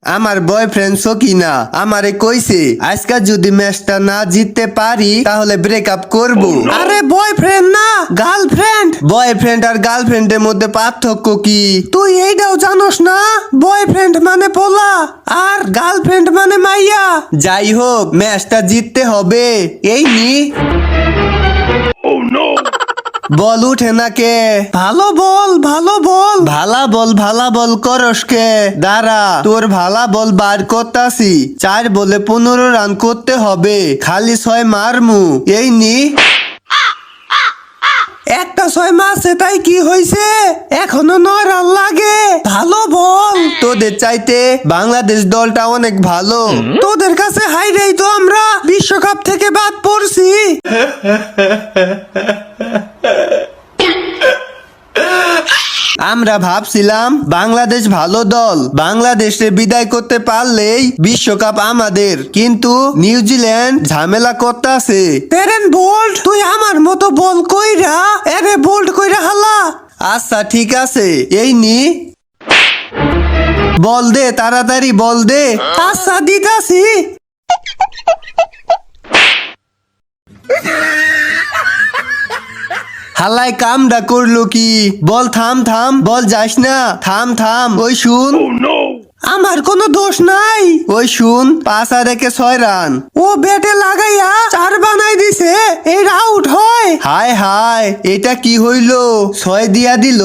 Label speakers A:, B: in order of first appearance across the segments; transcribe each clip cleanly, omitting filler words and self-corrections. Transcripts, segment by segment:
A: আমার বয়ফ্রেন্ড সকিনা আমারে কইছে আজকে যদি ম্যাচটা না জিততে পারি তাহলে ব্রেকআপ করব।
B: আরে বয়ফ্রেন্ড না গার্লফ্রেন্ড।
A: বয়ফ্রেন্ড আর গার্লফ্রেন্ডের মধ্যে পার্থক্য কি?
B: তুই এইটাও জানোস না? বয়ফ্রেন্ড মানে পোলা আর গার্লফ্রেন্ড মানে মাইয়া।
A: যাই হোক ম্যাচটা জিততে হবে। এই নি বল উঠে না কে?
B: ভালো বল ভালো বল।
A: ভালা বল করস কে? দাঁড়া তোর ভালা বল বার করতাছি। 4 বলে 15 রান করতে হবে, খালি 6 মারমু। এই নি
B: একটা 6 মাসে তাই কি হইছে? এখনো 9 রান লাগে। ভালো বল।
A: তোদের চাইতে বাংলাদেশ দলটা অনেক ভালো।
B: তোদের কাছে হাইরেই তো আমরা বিশ্বকাপ থেকে বাদ পড়ছি।
A: আমরা ভাবছিলাম বাংলাদেশ ভালো দল, বাংলাদেশে বিদায় করতে পারলেই বিশ্বকাপ আমাদের, কিন্তু নিউজিল্যান্ড ঝামেলা করতেছে।
B: তেরেন বোল্ড তুই আমার মতো বল কইরা এরে বোল্ড কইরা হালা।
A: আচ্ছা ঠিক আছে, এই নি বল দে, তাড়াতাড়ি বল দে।
B: আচ্ছা দিতাছি।
A: হালাই কামডা করলো কি? বল থাম থাম, বল যাস না, থাম থাম। ওই শুন,
B: আমার কোনো দোষ নাই।
A: ওই শুন, 5 আর 1 6 রান।
B: ও ব্যাটে লাগাইয়া 4 বানাই দিছে, এর আউট হয়।
A: হায় হায়, এটা কি হইলো? 6 দিয়া দিল।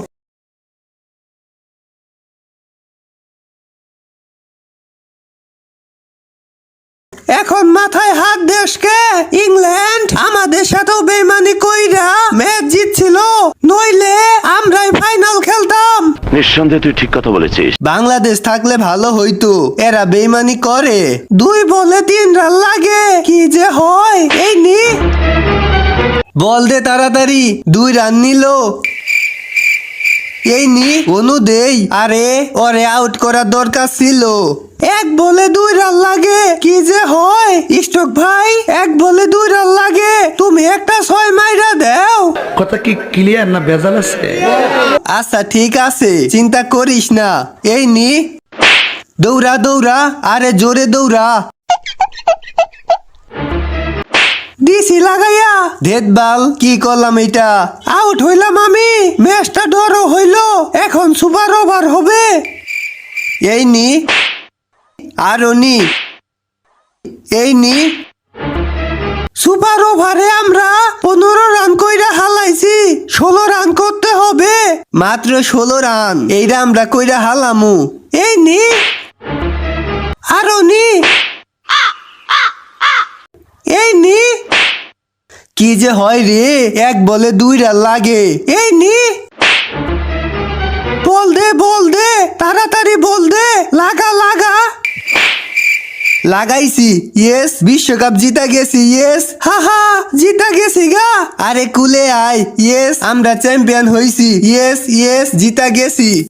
B: এখন মাথায় হাত দেশকে। ইংল্যান্ড আমাদের সাথেও বেইমানি কইরা ম্যাচ জিতছিল, নইলে আমরাই ফাইনাল খেলতাম।
C: নিঃসন্দেহে তুই ঠিক কথা বলেছিস।
A: বাংলাদেশ থাকলে ভালো হইতো, এরা বেইমানি করে।
B: 2 বলে 3 রান লাগে, কি যে হয়। এই নি
A: বল দে তাড়াতাড়ি, 2 রান নিল। এই নি অনু দেই। আরে ওরে আউট করার দরকার ছিল।
B: 1 বলে 2 রান লাগে, কি যে হয়। স্টক ভাই 1 বলে 2 রান লাগে, তুমি একটা 6 মাইরা দাও।
D: কথা কি ক্লিয়ার না ভেজাল আছে?
A: আচ্ছা ঠিক আছে, চিন্তা করিস না। এই নি দৌড়া দৌড়া, আরে জোরে দৌড়া।
B: ডিসি লাগাইয়া
A: ধেদবাল, কি করলাম এটা?
B: আউট হইলাম আমি। ম্যাচটা ড্র হইলো, এখন সুপার ওভার হবে।
A: এই নি আরো নি, এই নি
B: সুপার ওভারে আমরা 15 রান কইরা হালাইছি, 16 রান করতে হবে।
A: মাত্র 16 রান, এইটা আমরা কইরা হালামু।
B: এই নি আরো নি, এই নি
A: কি যে হয় রে, 1 বলে 2 রান লাগে।
B: এই নি বল দে তাড়াতাড়ি বল দে। লাগা লাগা।
A: লাগাইছি, ইয়েস, বিশ্বকাপ জিতা গেছি, ইয়েস।
B: হাহা জিতা গেছি গা।
A: আরে কুলে আয়, ইয়েস, আমরা চ্যাম্পিয়ন হইছি, ইয়েস ইয়েস, জিতা গেছি।